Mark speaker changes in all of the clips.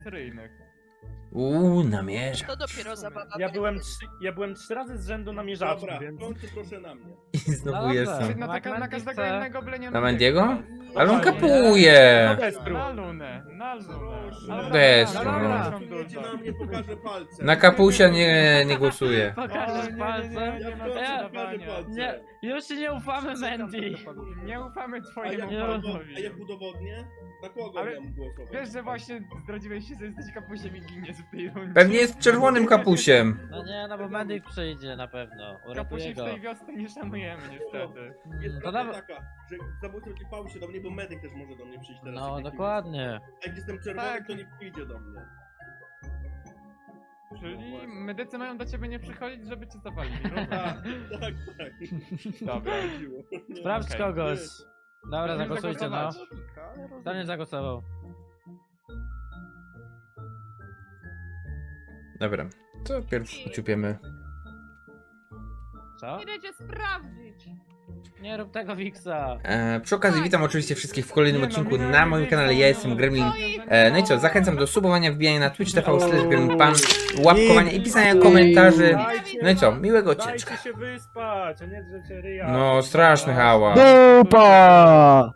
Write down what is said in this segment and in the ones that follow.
Speaker 1: seryjnych.
Speaker 2: Namierza.
Speaker 3: To dopiero zabawa.
Speaker 4: Ja byłem 3 razy z rzędu namierzaczu,
Speaker 5: Dobra,
Speaker 4: więc...
Speaker 5: w końcu proszę na mnie.
Speaker 2: I znowu jestem.
Speaker 1: Na,
Speaker 6: Jak
Speaker 1: na
Speaker 6: Mandy
Speaker 1: każdego
Speaker 6: chce.
Speaker 1: innego bylenia
Speaker 2: Na Mandiego?
Speaker 1: No
Speaker 2: Ale on
Speaker 1: właśnie.
Speaker 2: kapuje.
Speaker 4: No Destru.
Speaker 1: Na lunę, na lunę.
Speaker 5: Proszę.
Speaker 1: Ale
Speaker 2: Destru,
Speaker 1: dobra,
Speaker 2: no.
Speaker 1: dobra,
Speaker 5: Głosujecie na mnie, pokażę palce.
Speaker 2: Na kapusia nie głosuję.
Speaker 6: Pokażesz palce.
Speaker 5: Ja w
Speaker 1: ma
Speaker 5: końcu
Speaker 6: Ja-
Speaker 5: pokażę palce.
Speaker 6: Nie, już ci nie ufamy, Mandy.
Speaker 1: Nie ufamy
Speaker 5: A
Speaker 1: twojemu
Speaker 5: jak,
Speaker 1: głosowi.
Speaker 5: a jak udowodnię? Na kogo
Speaker 1: Ale
Speaker 5: mam głosować?
Speaker 1: Wiesz, że właśnie zdradziłeś się, że jesteś kapusiem i giniesz w tej rundzie.
Speaker 2: Pewnie jest czerwonym kapusiem.
Speaker 6: No nie, no bo Mandy przyjdzie na pewno. Uratuje
Speaker 1: Kapusi w
Speaker 6: go.
Speaker 1: tej wiosce nie szanujemy niestety.
Speaker 5: Jest
Speaker 6: To
Speaker 5: prawda
Speaker 6: nawet...
Speaker 5: taka, że zabójca przypał się do mnie, bo medyk też może do mnie przyjść teraz.
Speaker 6: No
Speaker 5: jak
Speaker 6: dokładnie.
Speaker 5: A jak jestem czerwony,
Speaker 1: Tak.
Speaker 5: to nie przyjdzie do mnie.
Speaker 1: Czyli medycy mają do ciebie nie przychodzić, żeby cię zawalili.
Speaker 5: Tak, tak, tak.
Speaker 1: Dobra.
Speaker 6: Sprawdź
Speaker 1: Okej.
Speaker 6: kogoś. Dobra,
Speaker 1: Możemy
Speaker 6: zagłosujcie, no.
Speaker 1: zagłosować.
Speaker 6: Daniel zagłosował.
Speaker 2: Dobra, to pierw uciupiemy.
Speaker 6: Co?
Speaker 3: Idziecie sprawdzić.
Speaker 6: Nie rób tego, Wiksa.
Speaker 2: Przy okazji witam oczywiście wszystkich w kolejnym
Speaker 1: Nie no,
Speaker 2: odcinku
Speaker 1: minęły
Speaker 2: na moim
Speaker 1: dwie
Speaker 2: kanale. Ja
Speaker 1: strony.
Speaker 2: jestem Gremlin.
Speaker 1: No
Speaker 2: No i co, zachęcam do subowania, wbijania na Twitch TV/GremlinPan, łapkowania i pisania komentarzy. No i co, miłego ciężka.
Speaker 4: Dajcie się wyspać, a nie drzecie ryja.
Speaker 2: No, straszny hałas.
Speaker 7: Dupa!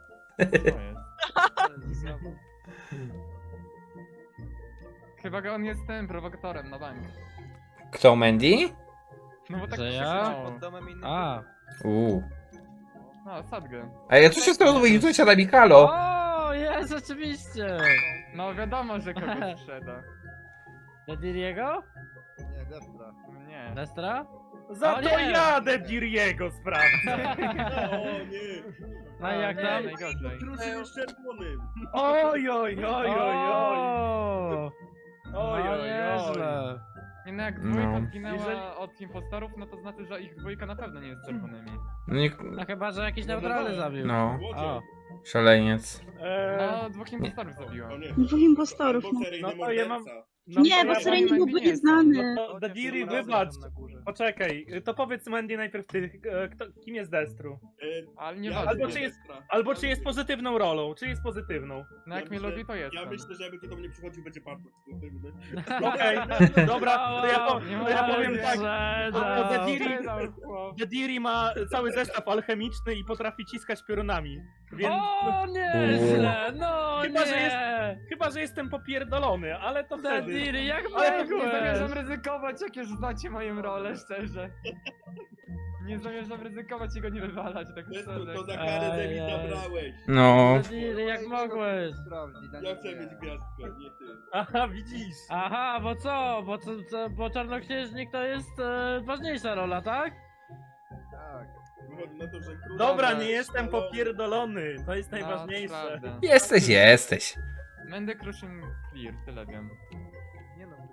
Speaker 1: Chyba go on jest tym prowokatorem na bank.
Speaker 2: Kto, Mandy?
Speaker 1: No bo tak
Speaker 6: Że
Speaker 1: się
Speaker 6: ja?
Speaker 1: krzykało.
Speaker 6: A.
Speaker 1: No, sadgę.
Speaker 2: A ja co się stało z moim sąsiadami, halo?
Speaker 6: O, jest, rzeczywiście.
Speaker 1: No wiadomo, że kogoś sprzeda.
Speaker 6: Dediriego?
Speaker 7: Nie, Destra.
Speaker 1: Nie.
Speaker 6: Destra?
Speaker 4: Za
Speaker 6: O
Speaker 4: to
Speaker 6: nie!
Speaker 4: jadę Diriego sprawdzę.
Speaker 5: O nie!
Speaker 6: No i jak
Speaker 1: nie,
Speaker 6: tam?
Speaker 1: najgorzej.
Speaker 5: Kruszy jest czerwonym.
Speaker 4: Oj, oj, oj, oj, oj.
Speaker 6: O,
Speaker 4: Oj,
Speaker 6: no
Speaker 4: oj, oj.
Speaker 6: nieźle.
Speaker 1: Nie no, jak dwójka
Speaker 2: No.
Speaker 1: zginęła
Speaker 4: Jeżeli-
Speaker 1: od impostorów, no to znaczy, że ich dwójka na pewno nie jest czerwonymi.
Speaker 2: No, nie,
Speaker 6: No chyba, że jakiś neutralny zabił.
Speaker 2: no,
Speaker 6: O,
Speaker 2: szaleniec.
Speaker 1: No, dwóch impostorów zabiło.
Speaker 5: O nie.
Speaker 8: Dwóch impostorów.
Speaker 5: Albo seryjny
Speaker 4: No to ja mam-
Speaker 5: morderca.
Speaker 4: No,
Speaker 8: Nie,
Speaker 4: to
Speaker 8: bo
Speaker 4: ja
Speaker 8: seryjny
Speaker 1: powiem,
Speaker 8: byłby
Speaker 1: Mandy nie
Speaker 8: nieznany.
Speaker 4: No, Diri, wybacz. Poczekaj, to powiedz Mandy najpierw ty, kim jest Destru?
Speaker 1: Ale nie
Speaker 5: Ja-
Speaker 1: ważne.
Speaker 4: Albo czy jest- Albo czy jest pozytywną rolą, czy jest pozytywną?
Speaker 1: No jak mnie
Speaker 5: myślę-
Speaker 1: lubi, to jest.
Speaker 5: Ja myślę, że jakby kto do mnie przychodził, będzie bardzo pozytywny.
Speaker 4: Okej, dobra, to ja powiem tak.
Speaker 6: Sprzedał.
Speaker 4: Dediri ma cały zestaw alchemiczny i potrafi ciskać piorunami, więc
Speaker 6: O, nieźle, no
Speaker 4: Chyba, że
Speaker 6: nie.
Speaker 4: chyba, że jestem popierdolony, ale to wtedy.
Speaker 6: Dediri, jak
Speaker 1: Ale nie
Speaker 6: mogłeś?
Speaker 1: zamierzam ryzykować, jak już znacie moją rolę, szczerze. Nie zamierzam ryzykować i go nie wywalać, tak
Speaker 5: Jest
Speaker 1: szczerze.
Speaker 5: to za karę, że mi
Speaker 6: Ej, ej.
Speaker 5: zabrałeś.
Speaker 2: No,
Speaker 6: Dediri, jak mogłeś?
Speaker 5: Ja chcę mieć gwiazdkę, nie ty.
Speaker 4: Aha, widzisz.
Speaker 6: Aha, bo co? Bo czarnoksiężnik to jest ważniejsza rola, tak?
Speaker 7: Tak.
Speaker 5: Wychodzi na to, że król...
Speaker 4: Dobra,
Speaker 1: Dobra,
Speaker 4: nie jestem
Speaker 5: szalony.
Speaker 4: popierdolony, to jest
Speaker 1: No,
Speaker 4: najważniejsze.
Speaker 1: prawda.
Speaker 2: jesteś.
Speaker 1: Będę Crushing Clear, tyle wiem.
Speaker 7: Nie no,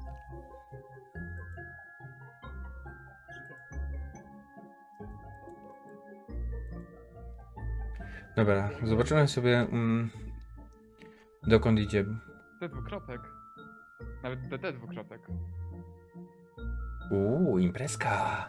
Speaker 2: Dobra, zobaczymy sobie dokąd idzie.
Speaker 1: T dwukropek. Nawet DT dwukropek.
Speaker 2: Imprezka.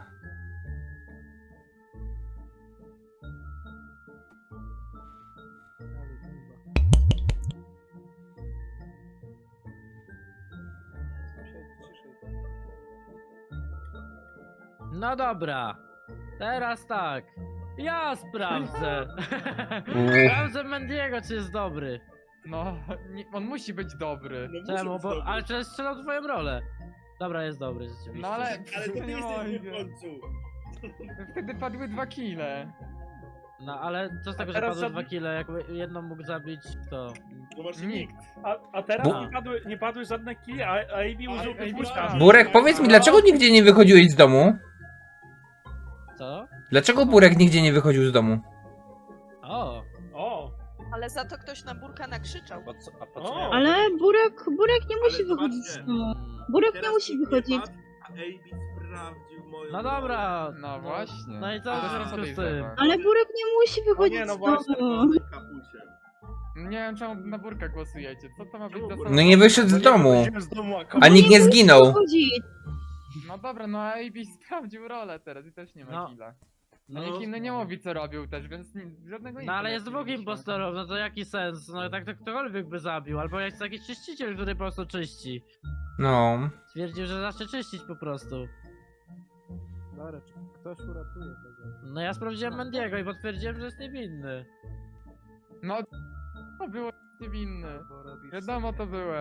Speaker 6: No dobra. Teraz tak. Ja sprawdzę. Sprawdzę Mendiego, czy jest dobry.
Speaker 1: No, nie, on musi być dobry.
Speaker 5: No muszę
Speaker 6: Czemu?
Speaker 5: być
Speaker 6: Bo,
Speaker 5: dobry.
Speaker 6: ale czy strzelał twoją rolę? Dobra, jest dobry rzeczywiście.
Speaker 1: No ale...
Speaker 5: Ale to ty
Speaker 1: nie
Speaker 5: jesteś w
Speaker 1: mogę.
Speaker 5: końcu.
Speaker 1: Wtedy padły 2 kile.
Speaker 6: No ale co z tego, że
Speaker 4: teraz
Speaker 6: padły
Speaker 4: żadny-
Speaker 6: 2 kile, jakby jedną mógł zabić kto?
Speaker 5: No właśnie
Speaker 1: Nikt.
Speaker 4: A teraz
Speaker 2: Bu-
Speaker 4: nie padły żadne kili, a Ivy użył
Speaker 1: Ivy
Speaker 4: puszka.
Speaker 1: tak.
Speaker 2: Burek, powiedz mi, dlaczego nigdzie nie wychodziłeś z domu?
Speaker 6: Co?
Speaker 2: Dlaczego Burek nigdzie nie wychodził z domu?
Speaker 6: O!
Speaker 4: O,
Speaker 3: Ale za to ktoś na Burka nakrzyczał.
Speaker 4: o.
Speaker 8: Ale Burek nie musi
Speaker 5: Ale
Speaker 8: wychodzić z
Speaker 5: zobaczcie.
Speaker 8: domu.
Speaker 6: Mm.
Speaker 8: Burek
Speaker 5: Teraz
Speaker 8: nie musi
Speaker 5: nikt
Speaker 8: wychodzić.
Speaker 5: nie padł, a AB sprawdził moją
Speaker 6: No
Speaker 5: rolę.
Speaker 6: dobra!
Speaker 1: No właśnie.
Speaker 6: No i co
Speaker 1: To
Speaker 6: w
Speaker 1: jest
Speaker 6: związku z tym?
Speaker 1: podejrzewa.
Speaker 8: Ale Burek nie musi wychodzić
Speaker 4: nie, no
Speaker 8: z
Speaker 4: właśnie,
Speaker 8: domu.
Speaker 5: Kapusie.
Speaker 1: Nie wiem czemu na Burka głosujecie. Co to ma być za
Speaker 2: No nie wyszedł z domu.
Speaker 4: Wychodziłem z domu,
Speaker 2: A nikt nie
Speaker 8: musi
Speaker 2: zginął.
Speaker 8: wychodzić.
Speaker 1: No dobra, no AB sprawdził rolę teraz i też nie ma
Speaker 6: No.
Speaker 1: killa. A nikt inny nie mówi co robił też, więc żadnego
Speaker 6: No ale jest
Speaker 1: nie
Speaker 6: dwóch
Speaker 1: mieliśmy.
Speaker 6: impostorów, no to jaki sens? No tak to ktokolwiek by zabił, albo jest jakiś czyściciel, który po prostu czyści.
Speaker 2: No.
Speaker 6: Stwierdził, że zacznie czyścić po prostu.
Speaker 7: Dobra, czy ktoś uratuje tego?
Speaker 6: No ja sprawdziłem Mendiego i potwierdziłem, że jest niewinny.
Speaker 1: No, to było niewinny.
Speaker 7: Bo robisz
Speaker 1: Wiadomo to było.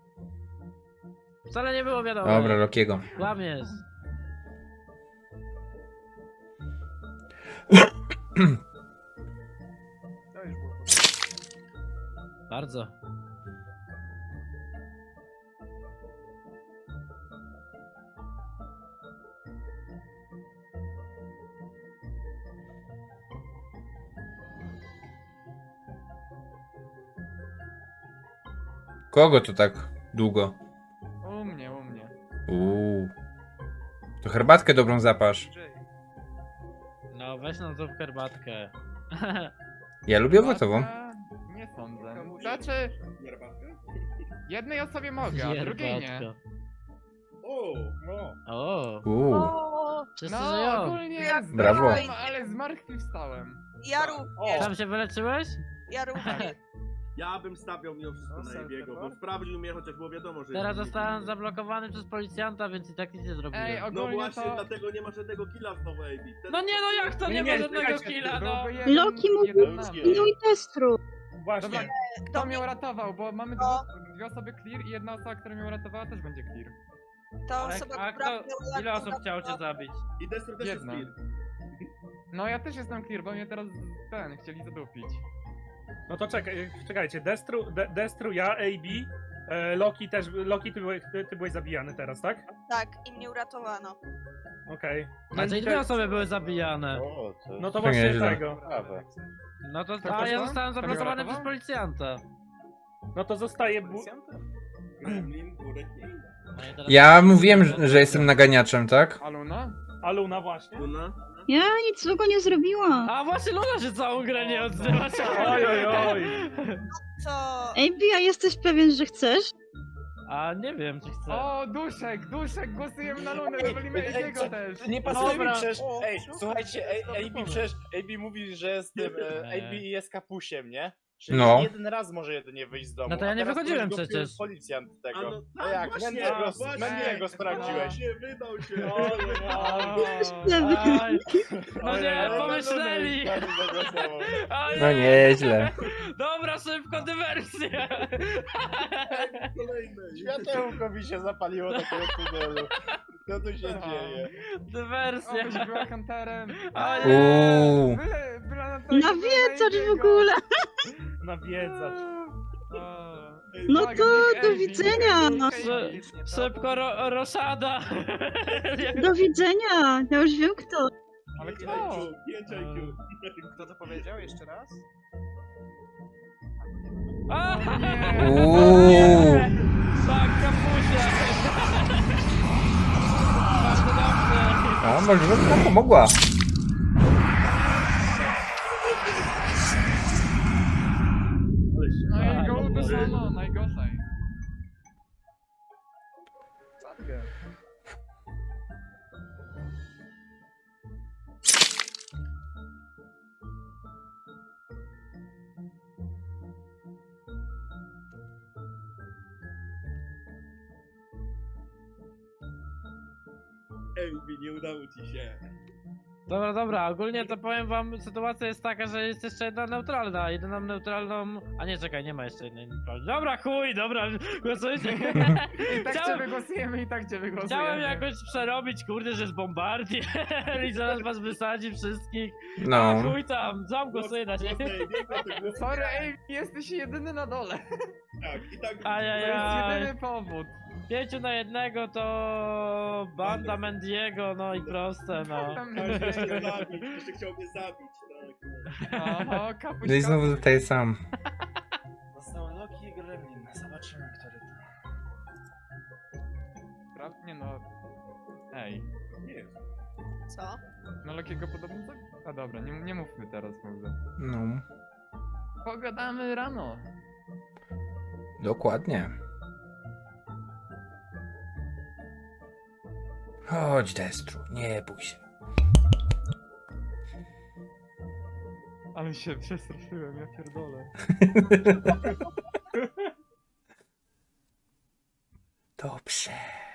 Speaker 6: Wcale nie było wiadomo.
Speaker 2: Dobra, Lokiego.
Speaker 6: Kłamiesz.
Speaker 7: To już było.
Speaker 6: Bardzo.
Speaker 2: Kogo to tak długo?
Speaker 1: U mnie, u mnie.
Speaker 2: To herbatkę dobrą zapasz.
Speaker 6: No weź nam tą herbatkę.
Speaker 2: Ja lubię owocową.
Speaker 1: Nie sądzę.
Speaker 7: Komuś-
Speaker 1: Znaczy,
Speaker 5: Herbatkę?
Speaker 1: jednej osobie mogę, a drugiej nie.
Speaker 6: Herbatka.
Speaker 5: O!
Speaker 6: O,
Speaker 3: O,
Speaker 6: wszyscy
Speaker 1: No,
Speaker 6: żyją.
Speaker 1: ogólnie
Speaker 2: Brawo.
Speaker 1: zmarłem, ale zmartwychwstałem.
Speaker 3: ja również,
Speaker 6: Sam się wyleczyłeś?
Speaker 3: ja również.
Speaker 5: Ja bym stawiał mimo wszystko
Speaker 7: No,
Speaker 5: na
Speaker 7: self
Speaker 5: Ebiego, bo
Speaker 7: report?
Speaker 5: sprawdził mnie, chociaż było wiadomo, że...
Speaker 6: Teraz
Speaker 5: jest
Speaker 6: zostałem
Speaker 5: niewinny.
Speaker 6: zablokowany przez policjanta, więc i tak nic nie zrobiłem.
Speaker 1: Ej,
Speaker 5: No
Speaker 1: ogólnie
Speaker 5: właśnie,
Speaker 1: to...
Speaker 5: dlatego nie ma żadnego killa znowu, Ebi.
Speaker 6: No nie no jak to nie,
Speaker 4: Nie,
Speaker 6: ma żadnego
Speaker 4: czekajcie,
Speaker 6: killa, no!
Speaker 1: Byłby jeden-
Speaker 8: Loki mówi-
Speaker 1: jeden na mnie.
Speaker 8: No i Destru.
Speaker 4: Właśnie.
Speaker 1: Dobra, kto mnie uratował, bo mamy
Speaker 3: No.
Speaker 1: dwie osoby clear i jedna osoba, która mnie uratowała też będzie clear.
Speaker 3: Ta osoba,
Speaker 6: A
Speaker 3: która
Speaker 6: kto,
Speaker 3: była
Speaker 6: ile osób chciało cię
Speaker 3: uratowała-
Speaker 6: zabić?
Speaker 5: I Destro też
Speaker 1: Jedna.
Speaker 5: jest clear.
Speaker 1: No ja też jestem clear, bo mnie teraz chcieli zadupić.
Speaker 4: No to czekajcie, Destru, ja, AB, Loki też, Loki ty byłeś zabijany teraz, tak?
Speaker 3: Tak, i mnie uratowano.
Speaker 4: Okej.
Speaker 6: A czyli dwie osoby były zabijane.
Speaker 4: No to
Speaker 2: To
Speaker 4: właśnie
Speaker 2: nieźle.
Speaker 4: tego.
Speaker 6: No to,
Speaker 1: To
Speaker 6: a ja
Speaker 1: kto?
Speaker 6: zostałem
Speaker 1: To mnie
Speaker 6: zablokowany przez
Speaker 1: uratował?
Speaker 6: policjanta.
Speaker 4: No to zostaje...
Speaker 5: Gremlin, Burek, nie inny.
Speaker 6: No i teraz-
Speaker 2: Ja mówiłem, że jestem naganiaczem, tak?
Speaker 1: Aluna?
Speaker 4: A Luna właśnie.
Speaker 5: Luna?
Speaker 8: Ja nic złego nie zrobiłam.
Speaker 6: A właśnie Luna się całą grę nie odzywa.
Speaker 4: Oj, oj, oj.
Speaker 3: Co?
Speaker 8: Ej, Bia, jesteś pewien, że chcesz?
Speaker 6: A nie wiem czy chcę.
Speaker 1: O, Duszek, głosujemy na Lunę, wywalimy jego też.
Speaker 9: Nie pasuje
Speaker 6: Dobra.
Speaker 9: mi przecież.
Speaker 7: O,
Speaker 9: Ej,
Speaker 7: super,
Speaker 9: słuchajcie,
Speaker 7: super
Speaker 9: AB
Speaker 7: pomysł.
Speaker 9: przecież AB mówi, że jest tym. AB jest kapusiem, nie? Czyli
Speaker 2: No.
Speaker 9: jeden raz może jedynie wyjść z domu.
Speaker 6: No to ja
Speaker 9: a
Speaker 6: nie
Speaker 9: teraz
Speaker 6: wychodziłem
Speaker 9: ktoś go
Speaker 6: przecież.
Speaker 9: wpił Policjant
Speaker 5: A
Speaker 9: tego.
Speaker 5: no,
Speaker 9: No jak?
Speaker 5: właśnie,
Speaker 9: Mendiego sprawdziłeś.
Speaker 5: Właśnie, wydał się.
Speaker 6: Aj, no
Speaker 9: Ojej,
Speaker 6: nie,
Speaker 9: ale
Speaker 6: pomyśleli!
Speaker 9: na Lunę już każdy zagłosował.
Speaker 6: Ojej.
Speaker 2: No nieźle.
Speaker 6: Dobra, szybko dywersja!
Speaker 5: Kolejne.
Speaker 9: Światełko mi się zapaliło takiego tunelu. Co tu się dzieje?
Speaker 6: Dywersja!
Speaker 1: Obyś była hunterem.
Speaker 6: A nie.
Speaker 2: Uuu.
Speaker 8: Nawiedzać w ogóle.
Speaker 4: Nawiedzać.
Speaker 8: No to do widzenia.
Speaker 6: Szybko roszada!
Speaker 8: Do widzenia. Ja już wiem kto.
Speaker 1: Ale kto?
Speaker 5: 5 IQ.
Speaker 7: Kto to powiedział jeszcze raz?
Speaker 6: A,
Speaker 2: Uuu.
Speaker 6: tak, kapusia! Bardzo dobrze!
Speaker 2: A może bym nam pomogła.
Speaker 1: No i go uderzono, najgorzej.
Speaker 7: Sadgę.
Speaker 5: Ebi, nie udało ci się.
Speaker 6: Dobra, ogólnie to powiem wam, sytuacja jest taka, że jest jeszcze jedna neutralna, jedyną neutralną... A nie, czekaj, nie ma jeszcze jednej neutralnej. Dobra, chuj, dobra, głosujcie.
Speaker 1: I tak cię
Speaker 6: Chciałem-
Speaker 1: wygłosujemy, i tak cię wygłosujemy.
Speaker 6: Chciałem jakoś przerobić, kurde, że jest bombardier i zaraz was wysadzi wszystkich. A
Speaker 2: No.
Speaker 6: chuj tam, sam głosuję na ciebie.
Speaker 1: Sorry, ej, jesteś jedyny na dole.
Speaker 5: Tak, i tak.
Speaker 1: To
Speaker 6: Ajajaj.
Speaker 1: jest jedyny powód.
Speaker 6: 5 na 1 to banda Mendiego, no i proste, no.
Speaker 1: Tam
Speaker 5: Każdy chciał zabić, jeszcze chciał mnie zabić, tak.
Speaker 1: Oho, kapuś,
Speaker 2: No i znowu zostaję sam.
Speaker 9: Został Loki i Gremlin. Zobaczymy, który to.
Speaker 1: Nie no. Ej,
Speaker 5: Nie jest.
Speaker 3: Co?
Speaker 1: no Lokiego podobno tak? A dobra, nie mówmy teraz może.
Speaker 2: No.
Speaker 1: Pogadamy rano.
Speaker 2: Dokładnie. Chodź, Destru, nie bój się.
Speaker 1: Ale się przestraszyłem, ja pierdolę.
Speaker 2: Dobrze.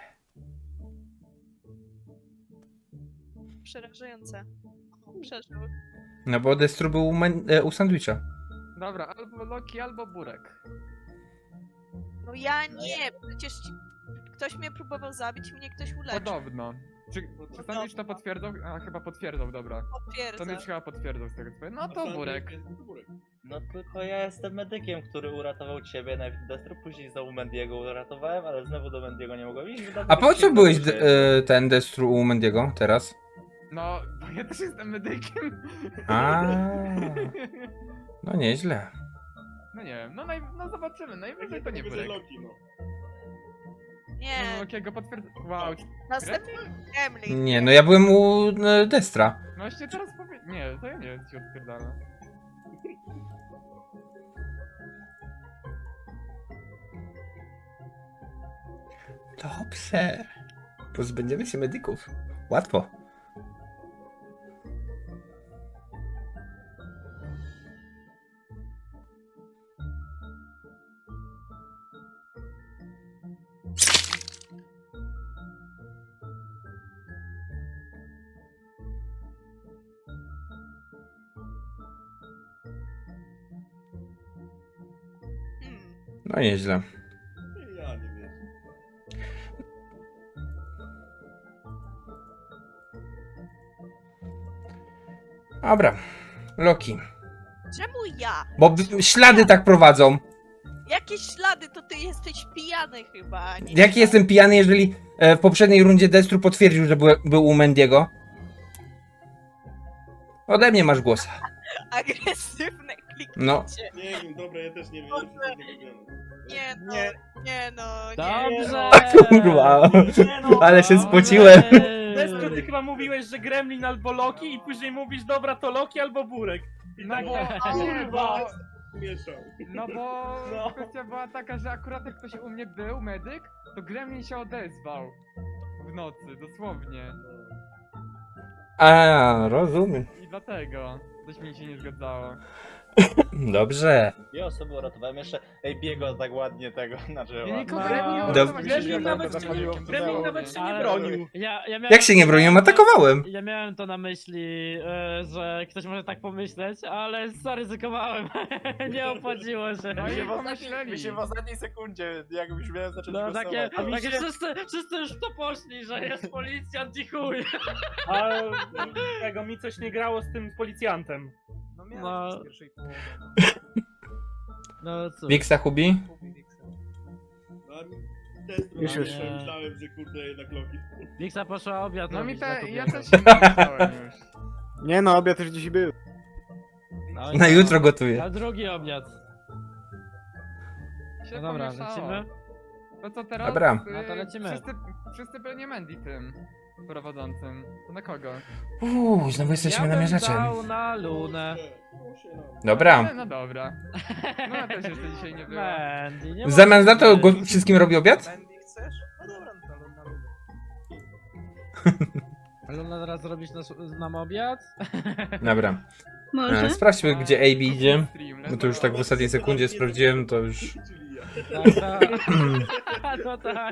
Speaker 3: Przerażające. Przeżył.
Speaker 2: No bo Destru był u sandwicha.
Speaker 1: Dobra, albo Loki, albo Burek.
Speaker 3: No ja nie, przecież ktoś mnie próbował zabić i mnie ktoś uleczył.
Speaker 1: Podobno. Czy sandwich to potwierdzał? A, chyba potwierdzał, dobra.
Speaker 3: Potwierdzam.
Speaker 1: Sandwich chyba potwierdzał z tego co powiem. No
Speaker 5: A
Speaker 1: to
Speaker 5: Sandwich
Speaker 1: Burek.
Speaker 5: jest to Burek.
Speaker 9: No tylko ja jestem medykiem, który uratował ciebie, najpierw Destru, później znowu Mendiego uratowałem, ale znowu do Mendiego nie mogłem iść.
Speaker 2: A po co byłeś ten Destru u Mendiego teraz?
Speaker 1: No, bo ja też jestem medykiem.
Speaker 2: A, no nieźle.
Speaker 1: No nie wiem, no zobaczymy, najwyżej to nie
Speaker 5: Tylko,
Speaker 1: Burek.
Speaker 5: że Loki, no.
Speaker 3: Nie,
Speaker 1: No Lokiego potwierdza... Wow,
Speaker 3: następny Gremlin.
Speaker 2: Nie, no ja byłem u Destra.
Speaker 1: no właśnie teraz powie... Nie, to ja nie wiem, co ci odpierdala.
Speaker 2: Dobrze. Pozbędziemy się medyków. Łatwo. No nieźle.
Speaker 5: Ja nie wiem.
Speaker 2: Dobra. Loki.
Speaker 3: Czemu ja?
Speaker 2: Bo ślady tak prowadzą.
Speaker 3: Jakie ślady? To ty jesteś pijany chyba. a nie
Speaker 2: Jaki
Speaker 3: ja.
Speaker 2: jestem pijany, jeżeli w poprzedniej rundzie Destru potwierdził, że był u Mendiego? Ode mnie masz głos.
Speaker 3: Agresywne kliknięcie.
Speaker 2: No.
Speaker 5: Nie wiem, dobra, ja też nie wiem. Ja się z tego wyglądam.
Speaker 3: Nie no,
Speaker 4: Nie.
Speaker 3: nie no, nie.
Speaker 6: Dobrze!
Speaker 2: Kurwa.
Speaker 4: Nie no,
Speaker 2: Ale się spociłem.
Speaker 4: Destru, ty chyba mówiłeś, że Gremlin albo Loki i później mówisz, dobra, to Loki albo Burek. I
Speaker 1: No
Speaker 4: tak,
Speaker 1: bo... Nie, bo...
Speaker 5: Mieszał.
Speaker 1: No bo
Speaker 4: No.
Speaker 1: kwestia była taka, że akurat jak ktoś u mnie był, medyk, to Gremlin się odezwał. W nocy, dosłownie.
Speaker 2: A, rozumiem.
Speaker 1: I dlatego coś mi się nie zgadzało.
Speaker 2: Dobrze.
Speaker 9: Dwie osoby uratowałem jeszcze Biego tak ładnie tego, znaczy
Speaker 1: Ja
Speaker 9: ładnie.
Speaker 1: nikogo
Speaker 6: No.
Speaker 1: Gremlin nie
Speaker 2: Dob-
Speaker 1: uratowałem,
Speaker 4: Gremlin
Speaker 1: ja
Speaker 4: nawet
Speaker 1: to
Speaker 4: się
Speaker 1: medykiem,
Speaker 4: nie- Gremlin
Speaker 1: dosłownie.
Speaker 4: nawet się nie
Speaker 6: Ale-
Speaker 4: bronił.
Speaker 6: Ja miałem,
Speaker 2: Jak się nie broniłem? Atakowałem.
Speaker 6: Ja miałem to na myśli, że ktoś może tak pomyśleć, ale zaryzykowałem. Nie opłaciło się.
Speaker 1: No i
Speaker 9: Mi się
Speaker 1: pomyśleli.
Speaker 9: w ostatniej sekundzie, jak już miałem zacząć
Speaker 6: No takie,
Speaker 9: głosować.
Speaker 6: takie wszyscy już w to poszli, że jest policjant i chuj.
Speaker 4: A tego mi coś nie grało z tym policjantem.
Speaker 6: No, no cóż.
Speaker 2: Wiksa Hubi?
Speaker 5: Destru,
Speaker 7: Już, już.
Speaker 5: myślałem, że kurde jednak Loki.
Speaker 6: Wiksa poszła obiad
Speaker 1: No mi
Speaker 6: robić na
Speaker 1: te, ja
Speaker 6: kobietę.
Speaker 1: też się myślałem już.
Speaker 7: Nie no, obiad już dzisiaj był.
Speaker 6: No i
Speaker 2: Na
Speaker 6: no,
Speaker 2: jutro gotuję.
Speaker 6: Na drugi obiad.
Speaker 1: Się
Speaker 6: No dobra,
Speaker 1: pomieszało.
Speaker 6: lecimy?
Speaker 1: To co teraz?
Speaker 2: Dobra.
Speaker 6: No to lecimy.
Speaker 1: Wszyscy byli Mandy tym prowadzącym. To na kogo?
Speaker 2: Znowu jesteśmy
Speaker 6: Ja bym
Speaker 2: namierzaczem.
Speaker 6: dał na Lunę.
Speaker 2: Dobra.
Speaker 1: No dobra. No ja też jeszcze dzisiaj nie byłem.
Speaker 6: Mandy, nie
Speaker 2: W zamian za to
Speaker 6: możesz być.
Speaker 2: wszystkim robi obiad?
Speaker 9: Mendy chcesz? No dobra, no to na ludę.
Speaker 6: Luna teraz zrobić nam obiad?
Speaker 2: Dobra.
Speaker 8: Może?
Speaker 2: Sprawdźmy, gdzie AB idzie.
Speaker 1: Stream,
Speaker 2: Bo to już tak w ostatniej sekundzie sprawdziłem, to już...
Speaker 5: Czyli ja.
Speaker 6: Tak. No tak.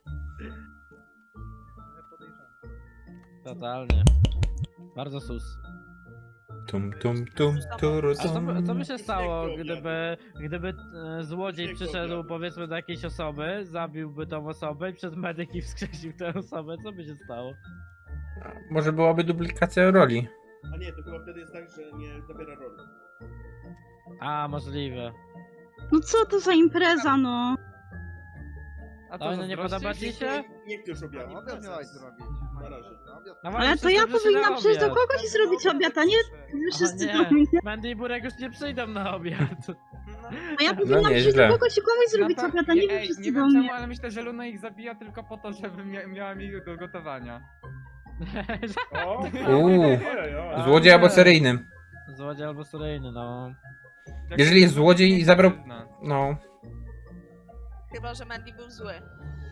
Speaker 6: Totalnie. Bardzo sus.
Speaker 2: Tum tum tum turu
Speaker 6: A
Speaker 2: tum.
Speaker 6: co by się stało,
Speaker 5: Piękny
Speaker 6: gdyby złodziej
Speaker 5: Piękny
Speaker 6: przyszedł
Speaker 5: obiad.
Speaker 6: powiedzmy do jakiejś osoby, zabiłby tą osobę i przez medyki wskrzesił tę osobę, co by się stało?
Speaker 2: Może byłaby duplikacja roli.
Speaker 5: A nie, to chyba wtedy jest tak, że nie zabiera roli.
Speaker 6: A, możliwe.
Speaker 8: No co to za impreza, no?
Speaker 1: A
Speaker 6: Oj, no nie
Speaker 1: zazdrościsz?
Speaker 6: podoba ci się?
Speaker 5: Nie chcesz obiadu.
Speaker 9: Obiad miałaś zrobić.
Speaker 5: Na razie.
Speaker 6: No
Speaker 8: Ale
Speaker 6: właśnie,
Speaker 8: to ja
Speaker 6: wszyscy przyszli na
Speaker 8: powinnam przyjść do
Speaker 6: obiad.
Speaker 8: kogoś i zrobić obiad, a nie wy wszyscy
Speaker 6: nie.
Speaker 8: do mnie.
Speaker 6: Mandy i Burek już nie przyjdą na obiad.
Speaker 8: A ja powinnam przyjść
Speaker 2: nieźle.
Speaker 8: do kogoś i komuś zrobić
Speaker 1: No to-
Speaker 8: obiad, a nie wy
Speaker 1: ej,
Speaker 8: wszyscy
Speaker 1: nie
Speaker 8: do
Speaker 1: wiem
Speaker 8: mnie.
Speaker 1: czemu, ale myślę, że Luna ich zabija tylko po to, żeby miała mi do gotowania.
Speaker 4: O,
Speaker 2: Uuu.
Speaker 4: ojej.
Speaker 2: Złodziej albo seryjny.
Speaker 6: Złodziej albo seryjny, no.
Speaker 1: Jak
Speaker 2: Jeżeli jest złodziej i
Speaker 1: nie
Speaker 2: zabrał-
Speaker 1: przyzna.
Speaker 2: No.
Speaker 3: Chyba, że Mandy był zły.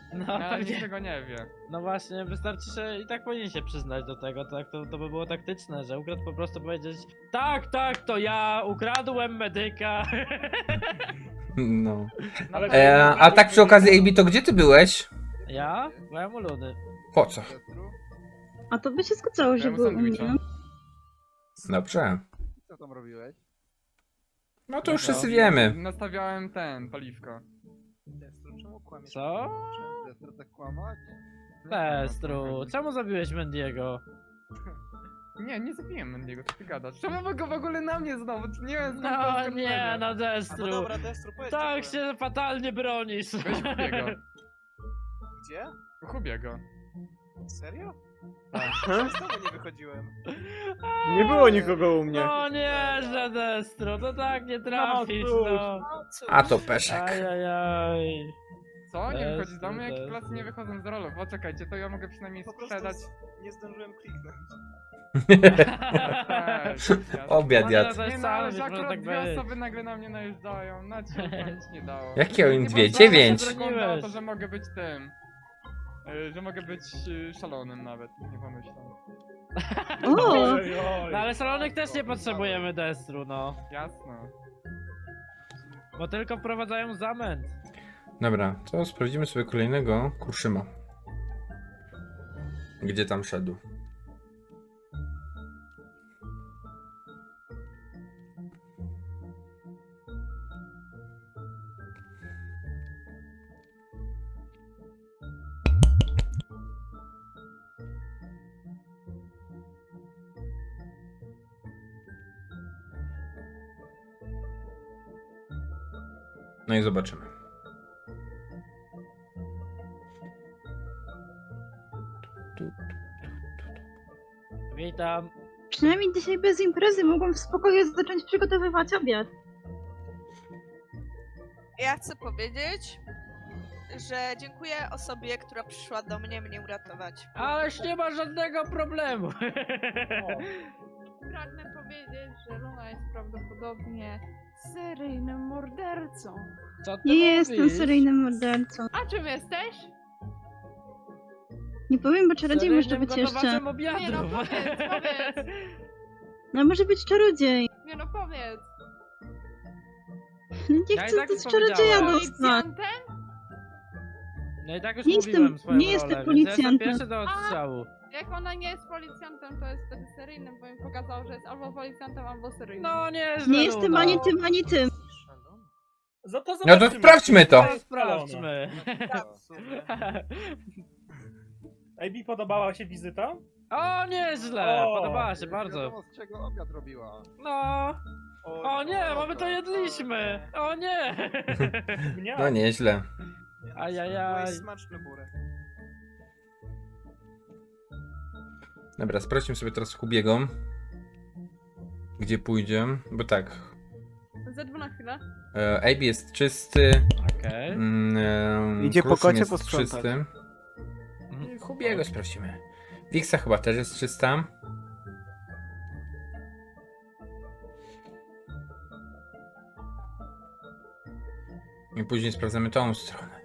Speaker 6: No,
Speaker 1: Ale
Speaker 6: nie.
Speaker 1: niczego nie wie.
Speaker 6: No właśnie, wystarczy, że i tak powinien się przyznać do tego, tak? To by było taktyczne, że ukradł po prostu powiedzieć tak, to ja ukradłem medyka.
Speaker 2: No.
Speaker 1: Ale
Speaker 2: A tak przy okazji, AB, to gdzie ty byłeś?
Speaker 6: Ja? Byłem u Ludy.
Speaker 2: Po co?
Speaker 8: A to by się zgadzało, że
Speaker 1: Ja mu
Speaker 8: był u mnie.
Speaker 1: sandwicha.
Speaker 2: Dobrze.
Speaker 7: Co tam robiłeś?
Speaker 2: No to już wszyscy wiemy.
Speaker 1: Nastawiałem paliwko.
Speaker 7: Destru, czemu kłamiesz?
Speaker 6: Co?
Speaker 7: Czy Destru tak kłamać?
Speaker 6: Destru, czemu zabiłeś Mendiego?
Speaker 1: Nie zabiłem Mendiego, co ty gadasz? Czemu wy go w ogóle na mnie znowu? Nie wiem, skąd to
Speaker 6: No
Speaker 1: oskarżenie.
Speaker 6: nie, no Destru.
Speaker 7: Destru, powiedz.
Speaker 6: Tak się fatalnie bronisz.
Speaker 1: Weź Hubiego.
Speaker 7: Gdzie?
Speaker 1: Hubiego.
Speaker 7: Serio?
Speaker 6: Tak.
Speaker 7: Znowu nie wychodziłem.
Speaker 10: Nie było nikogo u mnie.
Speaker 6: No nie, że Destru, to tak nie trafisz,
Speaker 10: cóż.
Speaker 6: no.
Speaker 3: No cóż.
Speaker 2: A to peszek.
Speaker 6: Ajajaj.
Speaker 1: Co? Nie
Speaker 6: Destru,
Speaker 1: wychodzi z domu? Jakie
Speaker 6: Destru.
Speaker 1: klasy nie wychodzą z rolów? O, czekajcie, to ja mogę przynajmniej
Speaker 7: Po prostu
Speaker 1: sprzedać.
Speaker 7: nie zdążyłem kliknąć.
Speaker 2: Obiad
Speaker 6: No
Speaker 2: jadł.
Speaker 6: To
Speaker 1: Nie
Speaker 6: jest
Speaker 1: no, ale
Speaker 6: sam,
Speaker 1: że
Speaker 6: może
Speaker 1: akurat
Speaker 6: tak
Speaker 1: dwie
Speaker 6: być.
Speaker 1: osoby nagle na mnie najeżdżają. Na cię to nic nie dało.
Speaker 2: Jakie oni
Speaker 1: Nie
Speaker 2: dwie?
Speaker 1: było
Speaker 2: 9.
Speaker 1: Wygląda o to, że mogę być tym. Że mogę być szalonym nawet, nie pomyślę.
Speaker 8: O!
Speaker 4: Oj, oj.
Speaker 6: No ale salonek też nie potrzebujemy Destru, no.
Speaker 1: Jasno.
Speaker 6: Bo tylko wprowadzają zamęt.
Speaker 2: Dobra, to sprawdzimy sobie kolejnego Kruszyma. Gdzie tam szedł? No i zobaczymy.
Speaker 6: Witam.
Speaker 8: Przynajmniej dzisiaj bez imprezy mogłam w spokoju zacząć przygotowywać obiad.
Speaker 3: Ja chcę powiedzieć, że dziękuję osobie, która przyszła do mnie uratować.
Speaker 6: Ależ nie ma żadnego problemu.
Speaker 11: Pragnę powiedzieć, że Luna jest prawdopodobnie seryjnym mordercą.
Speaker 6: Co ty
Speaker 8: Nie jestem
Speaker 6: mówisz?
Speaker 8: seryjnym mordercą.
Speaker 11: A czym jesteś?
Speaker 8: Nie powiem, bo czarodziej może
Speaker 6: Seryjnym
Speaker 8: być jeszcze.
Speaker 6: gotowaczem obiadów.
Speaker 11: Nie no, powiedz.
Speaker 8: No może być czarodziej.
Speaker 11: Nie no, powiedz.
Speaker 8: No nie
Speaker 6: Ja i
Speaker 8: chcę
Speaker 6: tak
Speaker 8: do
Speaker 6: już
Speaker 8: czarodzieja
Speaker 6: powiedziałem.
Speaker 8: dostać.
Speaker 11: Policjantem?
Speaker 6: No i tak już
Speaker 8: Nie
Speaker 6: mówiłem
Speaker 8: jestem-
Speaker 6: swoją
Speaker 8: nie jestem
Speaker 6: rolę, więc ja jestem
Speaker 8: policjantem.
Speaker 6: pierwszy do odstrzału.
Speaker 11: Jak ona nie jest policjantem, to jest wtedy seryjnym, bo mi pokazał, że jest albo policjantem, albo seryjnym.
Speaker 6: No nie,
Speaker 8: Nie jestem ani tym, ani tym.
Speaker 4: To
Speaker 2: No to
Speaker 4: zobaczmy.
Speaker 2: sprawdźmy to.
Speaker 6: To sprawdźmy.
Speaker 4: AB, podobała się wizyta?
Speaker 6: O, nieźle!
Speaker 4: O,
Speaker 6: Podobała się bardzo.
Speaker 7: Wiadomo, z czego obiad robiła.
Speaker 6: No. O nie, mamy to jedliśmy! O nie!
Speaker 4: Mnie?
Speaker 2: No nieźle.
Speaker 6: Ajajaj.
Speaker 7: Smaczny burek.
Speaker 2: Dobra, sprawdźmy sobie teraz Hubiego. Gdzie pójdzie? Bo tak.
Speaker 11: Z2 na chwilę.
Speaker 2: AB jest czysty.
Speaker 6: Okej.
Speaker 10: Idzie po
Speaker 2: Kruszym
Speaker 10: kocie
Speaker 2: jest
Speaker 10: posprzątać.
Speaker 2: czysty. I Hubiego sprawdzimy. Wiksa chyba też jest czysta. I później sprawdzamy tą stronę.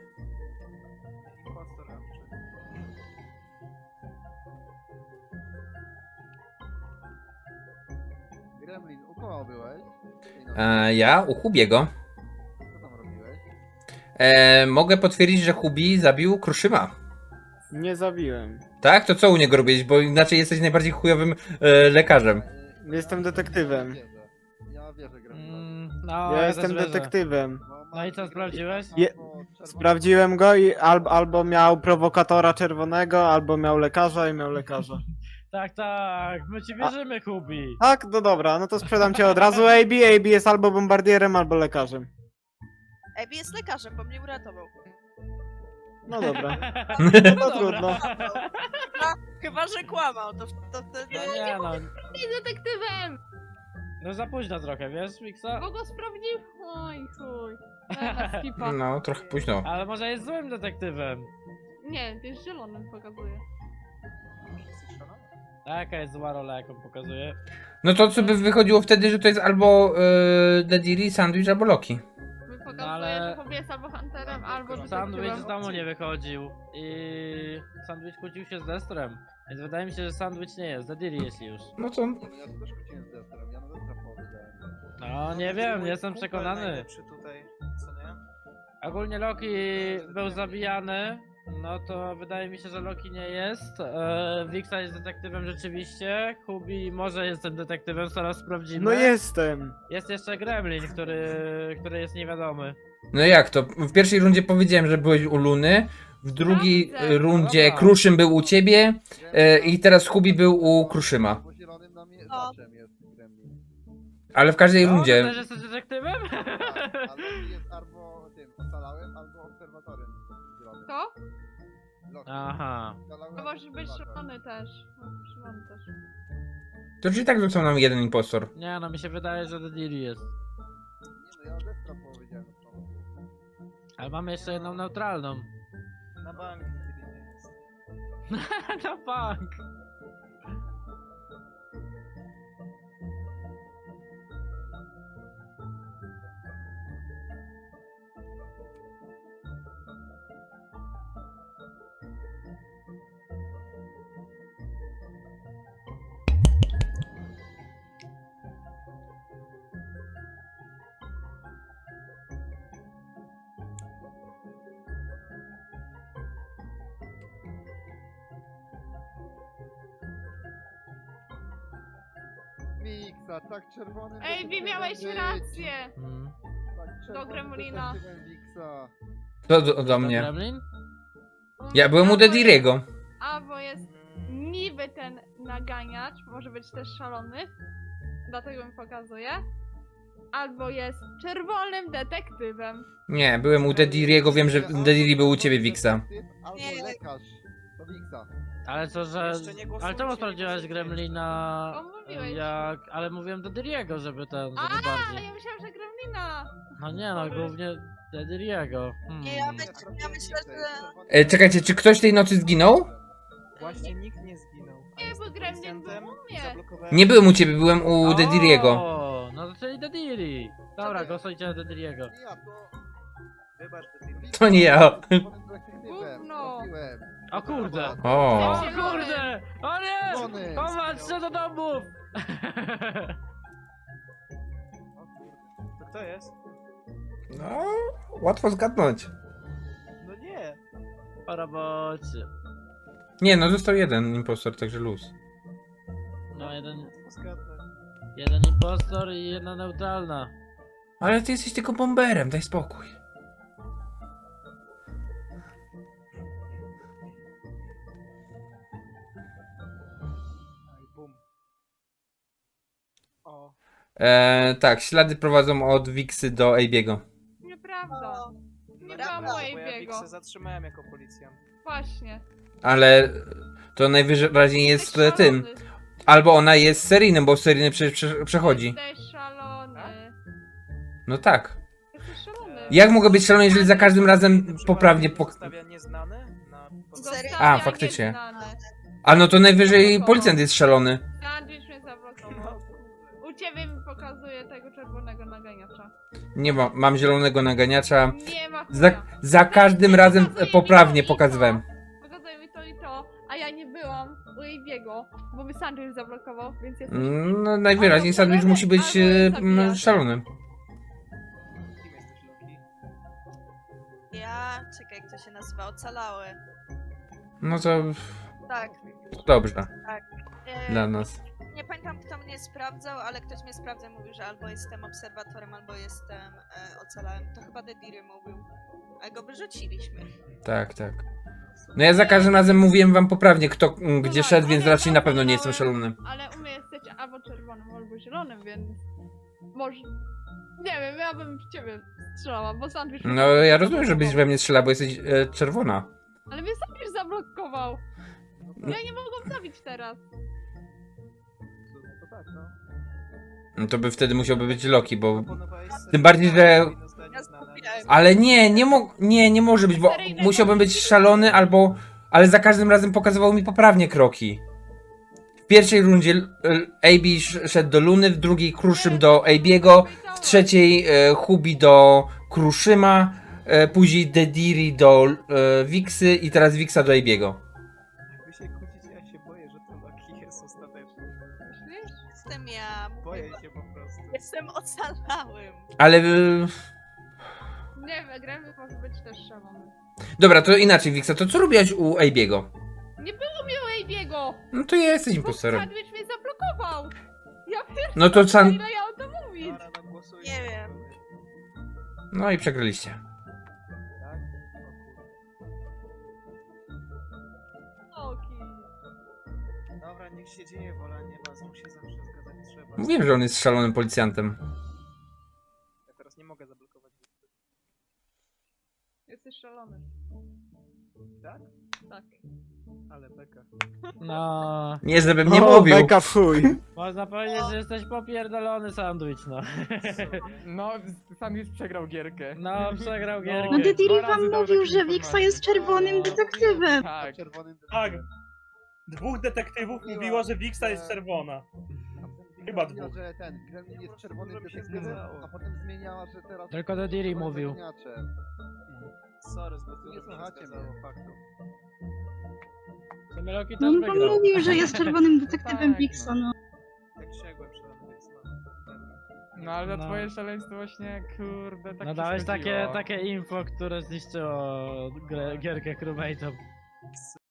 Speaker 7: Gremlin, u kogo byłeś?
Speaker 2: Ja u Hubiego.
Speaker 7: Co tam robiłeś?
Speaker 2: Mogę potwierdzić, że Hubi zabił Kruszyma.
Speaker 10: Nie zabiłem.
Speaker 2: Tak? To co u niego robić? Bo inaczej jesteś najbardziej chujowym lekarzem.
Speaker 10: Jestem detektywem.
Speaker 7: Ja wierzę Gremlin.
Speaker 6: No,
Speaker 10: Ja
Speaker 6: też
Speaker 10: jestem
Speaker 6: wierzę.
Speaker 10: detektywem.
Speaker 6: No i co, sprawdziłeś?
Speaker 10: Sprawdziłem go i albo miał prowokatora czerwonego, albo miał lekarza i miał lekarza.
Speaker 6: Tak, tak, my ci wierzymy, Hubi.
Speaker 10: Tak, no dobra, no to sprzedam cię od razu AB. AB jest albo bombardierem, albo lekarzem.
Speaker 3: Ebi jest lekarzem, bo mnie uratował.
Speaker 10: No dobra.
Speaker 6: No
Speaker 10: No
Speaker 6: dobra.
Speaker 10: trudno.
Speaker 3: Chyba, że kłamał, to wtedy...
Speaker 6: No nie no,
Speaker 11: Jest detektywem!
Speaker 6: no za późno trochę, wiesz, Wiksa?
Speaker 11: Bo go sprawdził? Oj, chuj. Na skipa.
Speaker 2: No, trochę późno.
Speaker 6: Ale może jest złym detektywem.
Speaker 11: Nie, jest zielonym pokazuje.
Speaker 6: Jaka jest zła rola, jaką pokazuje?
Speaker 2: No to co by wychodziło wtedy, że to jest albo Dediri, Sandwich, albo Loki.
Speaker 11: pokazuje,
Speaker 6: ale-
Speaker 11: że Hobby jest albo hunterem, albo
Speaker 6: Sandwich z
Speaker 11: detektywem.
Speaker 6: domu nie wychodził i Sandwich kłócił się z Destrem. Więc wydaje mi się, że Sandwich nie jest, Dediri jeśli już.
Speaker 2: No to...
Speaker 5: Ja też kłóciłem z Destrem, ja na Destra powiedziałem.
Speaker 6: No nie wiem, nie jestem przekonany.
Speaker 10: Tutaj, co nie?
Speaker 6: Ogólnie Loki był zabijany, no to wydaje mi się, że Loki nie jest. Wixa jest detektywem rzeczywiście, Hubi może jest tym detektywem, zaraz sprawdzimy.
Speaker 10: No jestem.
Speaker 6: Jest jeszcze Gremlin, który jest niewiadomy.
Speaker 2: No jak to? W pierwszej rundzie powiedziałem, że byłeś u Luny, w drugiej
Speaker 11: Sprawdzę.
Speaker 2: rundzie
Speaker 6: Dobra.
Speaker 2: Kruszym był u ciebie i teraz Hubi był u Kruszyma.
Speaker 5: Bo zielonym na mnie
Speaker 3: O.
Speaker 5: zaczem jest Gremlin.
Speaker 2: Ale w każdej
Speaker 6: No,
Speaker 2: rundzie.
Speaker 6: ty też jesteś detektywem?
Speaker 5: A Loki jest albo tym ocalałem, albo obserwatorem zielonym.
Speaker 11: Kto?
Speaker 5: Loki.
Speaker 6: Aha.
Speaker 5: Ocalałem,
Speaker 11: To może być
Speaker 5: obserwator.
Speaker 11: szalony też. No, szalony też.
Speaker 2: To czyli tak został nam jeden impostor.
Speaker 6: Nie no, mi się wydaje, że Dediri jest.
Speaker 5: Nie no, ja Destra powiedziałem. na początku.
Speaker 6: Ale mamy jeszcze jedną neutralną.
Speaker 10: Na bank.
Speaker 6: No bank.
Speaker 5: Wiksa, tak czerwonym...
Speaker 11: Ej,
Speaker 5: detektywem
Speaker 11: miałeś
Speaker 5: być.
Speaker 6: Hmm.
Speaker 11: rację!
Speaker 5: Tak czerwonym
Speaker 11: Gremlina.
Speaker 5: detektywem Wiksa.
Speaker 2: To do mnie.
Speaker 6: Gremlin?
Speaker 2: Ja byłem u Dediriego.
Speaker 11: Albo jest niby ten naganiacz, może być też szalony, dlatego mi pokazuje. Albo jest czerwonym detektywem.
Speaker 2: Nie, byłem u Dediriego, wiem, że Dediri był u ciebie, Wixa.
Speaker 5: Albo
Speaker 3: Nie.
Speaker 5: lekarz. To Wiksa.
Speaker 6: Ale co, że...
Speaker 10: Jeszcze nie głosujcie,
Speaker 6: Ale czemu
Speaker 10: nie
Speaker 6: sprawdziłaś
Speaker 10: głosujcie.
Speaker 6: Gremlina
Speaker 11: O, mówiłeś.
Speaker 6: jak... Ale mówiłem Dediriego, żeby ten, żeby
Speaker 11: Ale
Speaker 6: bardziej.
Speaker 11: ja myślałam, że Gremlina!
Speaker 6: No nie no, głównie Dediriego.
Speaker 3: Nie, ja myślę, że...
Speaker 2: Czekajcie, czy ktoś tej nocy zginął?
Speaker 10: Właśnie nikt nie zginął.
Speaker 11: Nie, bo Gremlin był u mnie.
Speaker 2: Nie byłem u ciebie, byłem u Dediriego.
Speaker 6: O, no to czyli Dediri. Dobra, głosujcie na Dediriego.
Speaker 5: Ja to...
Speaker 10: Wybacz,
Speaker 2: To nie ja.
Speaker 5: Czerwonym detektywem.
Speaker 11: Gówno.
Speaker 5: Trafiłem.
Speaker 6: O kurde.
Speaker 2: O.
Speaker 6: O kurde! O nie!
Speaker 5: Zielony.
Speaker 6: Popatrzcie do domów!
Speaker 10: To kto jest?
Speaker 2: No, łatwo zgadnąć.
Speaker 10: No nie.
Speaker 6: Po robocie.
Speaker 2: Nie, no został jeden impostor, także luz.
Speaker 6: No jeden
Speaker 10: Zgadnę.
Speaker 6: impostor i jedna neutralna.
Speaker 2: Ale ty jesteś tylko bomberem, daj spokój.
Speaker 10: Aj, bum. O.
Speaker 2: Tak, ślady prowadzą od Wixy do AB'ego.
Speaker 11: Nieprawda. Nie
Speaker 3: Prawda,
Speaker 11: byłam mojej
Speaker 10: Bo ja
Speaker 11: biego.
Speaker 10: Wixę zatrzymałem jako policjant.
Speaker 11: Właśnie.
Speaker 2: Ale to najwyraźniej jest
Speaker 11: Jesteś
Speaker 2: tym.
Speaker 11: szalony.
Speaker 2: Albo ona jest seryjnym, bo seryjny przechodzi.
Speaker 11: Jesteś szalony.
Speaker 2: No tak.
Speaker 11: Jesteś szalony.
Speaker 2: Jak mogę być szalony, jeżeli za każdym razem poprawnie
Speaker 10: Zostawia nieznany na...
Speaker 11: Zostawia
Speaker 2: A, faktycznie.
Speaker 11: nieznane.
Speaker 2: A no to najwyżej policjant jest szalony.
Speaker 11: Sandwich mnie zablokował. U ciebie mi pokazuje tego czerwonego naganiacza.
Speaker 2: Nie ma, mam zielonego naganiacza.
Speaker 11: Nie ma
Speaker 2: Za,
Speaker 11: chuja.
Speaker 2: za każdym razem
Speaker 11: Pokazuje mi
Speaker 2: poprawnie
Speaker 11: to i to.
Speaker 2: pokazywałem.
Speaker 11: Pokazuje mi to i to, a ja nie byłam u jej biegu, bo mi sandwich zablokował, więc jest...
Speaker 2: No najwyraźniej sandwich musi być szalony.
Speaker 10: Kim jesteś, Loki?
Speaker 3: Ja... Czekaj, jak to się nazywa? Ocalały.
Speaker 2: No to
Speaker 3: Tak.
Speaker 2: dobrze
Speaker 3: E,
Speaker 2: dla nas.
Speaker 3: Nie pamiętam, kto mnie sprawdzał, ale ktoś mnie sprawdzał i mówił, że albo jestem obserwatorem, albo jestem ocalałem. To chyba Dediri mówił. A go wyrzuciliśmy.
Speaker 2: Tak, tak. No ja za każdym razem mówiłem wam poprawnie, kto gdzie szedł, więc raczej na pewno nie jestem szalonym.
Speaker 11: Ale u mnie jesteś albo czerwonym, albo zielonym, więc... Może... Nie wiem, ja bym w ciebie strzelała, bo sandwich...
Speaker 2: No ja rozumiem, żebyś we mnie strzelał, bo jesteś czerwona.
Speaker 11: Ale mnie sandwich zablokował. Ja nie mogłam zabić teraz.
Speaker 10: To tak, no.
Speaker 2: No to by wtedy musiałby być Loki, bo...
Speaker 10: Proponowałeś
Speaker 2: Tym bardziej, że...
Speaker 10: powinno zostać
Speaker 3: Ja
Speaker 10: nieznane,
Speaker 3: zgubiłem.
Speaker 2: Ale nie może być, bo musiałbym być szalony albo... Ale za każdym razem pokazywał mi poprawnie kroki. W pierwszej rundzie AB szedł do Luny, w drugiej Kruszym do AB'ego, w trzeciej Hubi do Kruszyma, później Dediri do Wixy i teraz Wixa do Abiego.
Speaker 7: Wy się kłócicie, ja się boję, że to Loki jest ostateczny.
Speaker 11: Myślisz?
Speaker 3: Jestem ja.
Speaker 7: Boję się po prostu.
Speaker 3: Jestem ocalałym.
Speaker 2: Ale...
Speaker 11: Nie wiem, Gremlin może być też szalony.
Speaker 2: Dobra, to inaczej Wixa, to co robiłaś u Abiego?
Speaker 11: Nie było mi u Abiego!
Speaker 2: No to jesteś
Speaker 11: Bo
Speaker 2: impostorem.
Speaker 11: sandwich mnie zablokował! Ja pierdolę,
Speaker 2: No to
Speaker 11: ile ja o tym mówić?
Speaker 7: Dobra, no głosujmy.
Speaker 3: Nie wiem.
Speaker 2: No i przegraliście.
Speaker 7: Tak? O
Speaker 11: Loki.
Speaker 7: kurwa. Dobra, niech się dzieje, wola nieba, znów się zawsze zgadzać trzeba.
Speaker 2: Mówiłem, że on jest szalonym policjantem.
Speaker 7: Ja teraz nie mogę zablokować.
Speaker 11: Jesteś szalony.
Speaker 7: Tak?
Speaker 11: Tak.
Speaker 7: Ale beka.
Speaker 6: No,
Speaker 2: Nie, żebym nie
Speaker 10: O,
Speaker 2: mówił.
Speaker 10: beka w chuj.
Speaker 6: można powiedzieć, że jesteś popierdolony sandwich, no.
Speaker 1: No, Sandwich przegrał gierkę.
Speaker 6: No, przegrał gierkę.
Speaker 8: No Dediri
Speaker 1: Dwa razy
Speaker 8: wam
Speaker 1: dał
Speaker 8: mówił,
Speaker 1: takie
Speaker 8: że Wixa
Speaker 1: informacje.
Speaker 8: jest czerwonym detektywem.
Speaker 1: Tak.
Speaker 5: Czerwonym
Speaker 4: Tak. Dwóch detektywów mówiło, że Wixa jest czerwona. Chyba
Speaker 5: mówiła,
Speaker 4: dwóch.
Speaker 5: że ten Gremlin jest czerwonym detektywem, a potem zmieniała, że teraz...
Speaker 6: Tylko Dediri
Speaker 5: czerwonym
Speaker 6: mówił.
Speaker 5: zagadniaczem.
Speaker 7: Sorry, zbyt
Speaker 5: Nie
Speaker 7: dużo mnie
Speaker 5: słuchacie
Speaker 7: zgadzało
Speaker 5: mnie.
Speaker 7: faktów.
Speaker 6: W sumie Loki
Speaker 8: No
Speaker 6: też
Speaker 8: on wam
Speaker 6: wygrał.
Speaker 8: mówił, że jest czerwonym detektywem
Speaker 1: Tak,
Speaker 8: Wixa, no.
Speaker 7: Jak sięgłem szalony, więc no.
Speaker 1: No ale za
Speaker 6: No.
Speaker 1: twoje szaleństwo właśnie, kurde, tak
Speaker 6: No
Speaker 1: się
Speaker 6: dałeś
Speaker 1: zgodziło.
Speaker 6: takie info, które zniszczyło gierkę crewmate'om.